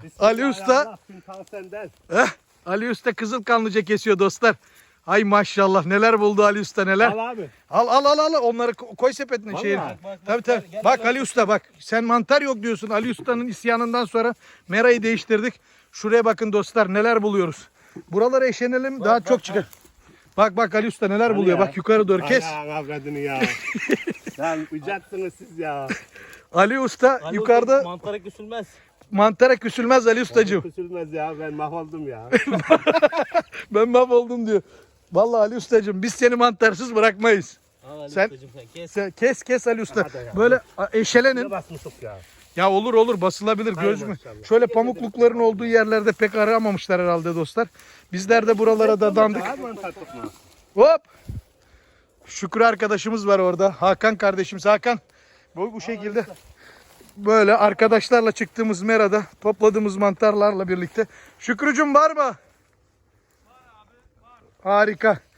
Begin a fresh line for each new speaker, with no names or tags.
Ali Usta.
Senden.
Ali Usta Kızılkanlıca kesiyor dostlar. Ay maşallah neler buldu Ali Usta neler.
Al abi.
Al onları koy sepetine
Vallahi.
şeyine.
Bak,
Tabii. Bak Ali Usta bak. Sen mantar yok diyorsun. Ali Usta'nın isyanından sonra merayı değiştirdik. Şuraya bakın dostlar neler buluyoruz. Buraları eşenelim daha çok çıkar. Bak Ali Usta neler buluyor.
ya.
Bak yukarı doğru kes.
Ana avradını ya. Lan uyacaksınız siz ya.
Ali Usta yukarıda
Mantara küsülmez.
mantara küsülmez Ali Ustacığım.
Küsülmez ya, ben mahvoldum ya.
Ben mahvoldum diyor. Vallahi Ali Ustacığım biz seni mantarsız bırakmayız.
Al Ali
Sen-
Ustacığım sen kes.
Kes Ali Usta.
Hadi ya.
Böyle eşelenin.
Ne basmışık ya.
Ya olur basılabilir
Hay
gözümü.
maşallah.
Şöyle pamuklukların olduğu yerlerde pek aramamışlar herhalde dostlar. Bizler de buralara da dandık.
Daha mantar tutma.
Hop. Şükrü arkadaşımız var orada. Hakan kardeşimiz Hakan. Bu şekilde böyle arkadaşlarla çıktığımız merada topladığımız mantarlarla birlikte. Şükrücüm var mı? Var abi var. Harika.